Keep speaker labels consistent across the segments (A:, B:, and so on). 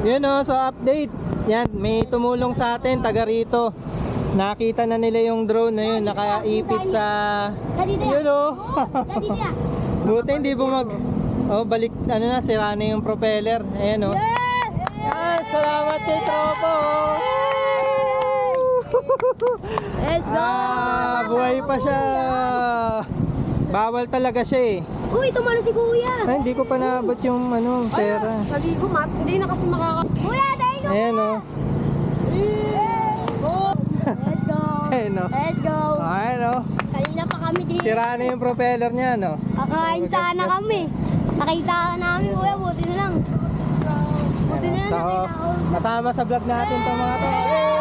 A: Yun o, so update. Yan, may tumulong sa atin, taga rito. Nakita na nila yung drone na yun, nakaipit sa... Yun o. Buti hindi bumag... Oh, balik, ano na, sira na yung propeller. Ayan o. Yes! Salamat kay Tropo!
B: Let's go!
A: Buhay pa siya! Bawal talaga siya eh.
B: Uy, tumalo si Kuya!
A: Ay, hindi ko pa naabot yung ano, pera.
B: Saligo, Mat. Hindi na kasi Kuya, tayo!
A: Ayan o.
B: Let's go!
A: Ayan o.
B: Let's go!
A: Ayan o.
B: Kanina pa kami dito.
A: Sira na yung propeller niya, no?
B: Kakain sana kami. Nakita ka namin, Kuya. Buti na lang. Buti na lang
A: So,
B: nakita ko.
A: masama sa vlog natin to mga to.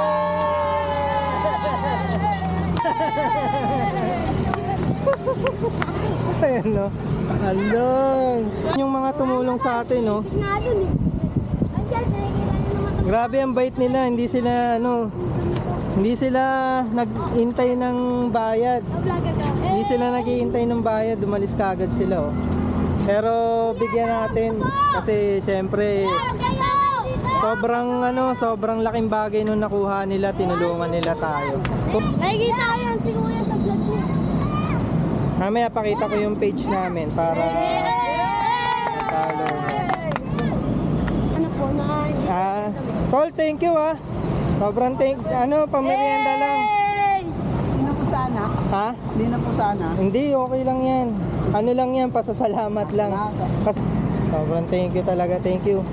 A: Ayan no. Along. Yung mga tumulong sa atin, no.
B: Nga dun eh. Andiyan, nakikita nyo naman ito.
A: Grabe ang bait nila, hindi sila nag-intay ng bayad.
B: Vlogger ka.
A: Hindi sila nag-iintay ng bayad, dumalis kagad sila, oh. Pero bigyan natin kasi syempre sobrang laking bagay nung nakuha nila, tinulungan nila tayo.
B: Nakikita ko yan si Kuya sa vlog ko.
A: Mamaya pakita ko yung page namin para follow.
B: Ano po na?
A: Tol, thank you ah. Sobrang pamerienda lang.
C: Hindi na po sana.
A: Ha?
C: Hindi na po sana.
A: Hindi, okay lang yan. Ano lang yan, pasasalamat lang. Sobrang thank you talaga, thank you.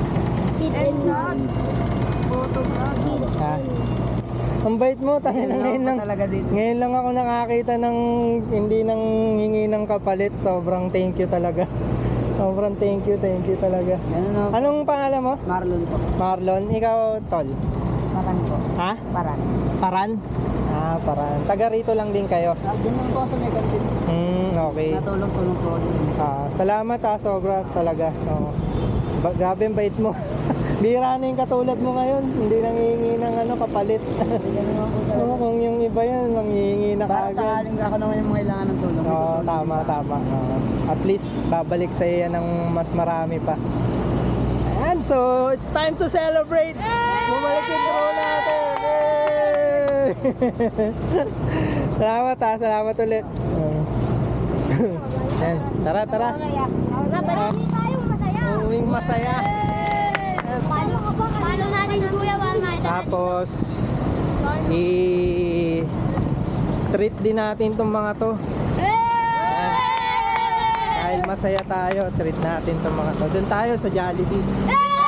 A: Ha? Ang bait mo, tayo na ngayon lang.
C: Talaga dito.
A: Ngayon lang ako nakakita ng hindi nang hingi ng kapalit. Sobrang thank you talaga. Sobrang thank you talaga.
C: Ganun na.
A: Anong pangalan mo?
C: Marlon po.
A: Marlon, ikaw Tol.
C: Paran po.
A: Ha?
C: Paran.
A: Paran? Paran. Taga rito lang din kayo.
C: Doon lang po ako sa may kantin.
A: Okay.
C: Natulong-tulong po ako dito.
A: Salamat sobra talaga. Oo. Grabe ang bait mo. Bira na yung katulad mo ngayon. Hindi nangihingi ng kapalit. Oo, kung yung iba yan, manghihingi na
C: Para
A: kagad.
C: sakaling ako naman yung mga kailangan ng tulong.
A: Oo,
C: May tutulong
A: tama.
C: din sa akin.
A: At least babalik sa iyo ng mas marami pa. And so, it's time to celebrate! Bumalik yung drone natin! Yay! Salamat ulit. Yan, tara.
B: Napalili tayo, masaya.
A: Uwing masaya.
B: Paano natin Kuya para makita natin?
A: Tapos, i-treat din natin tong mga to. Dahil masaya tayo, treat natin tong mga to. Doon tayo sa Jollibee.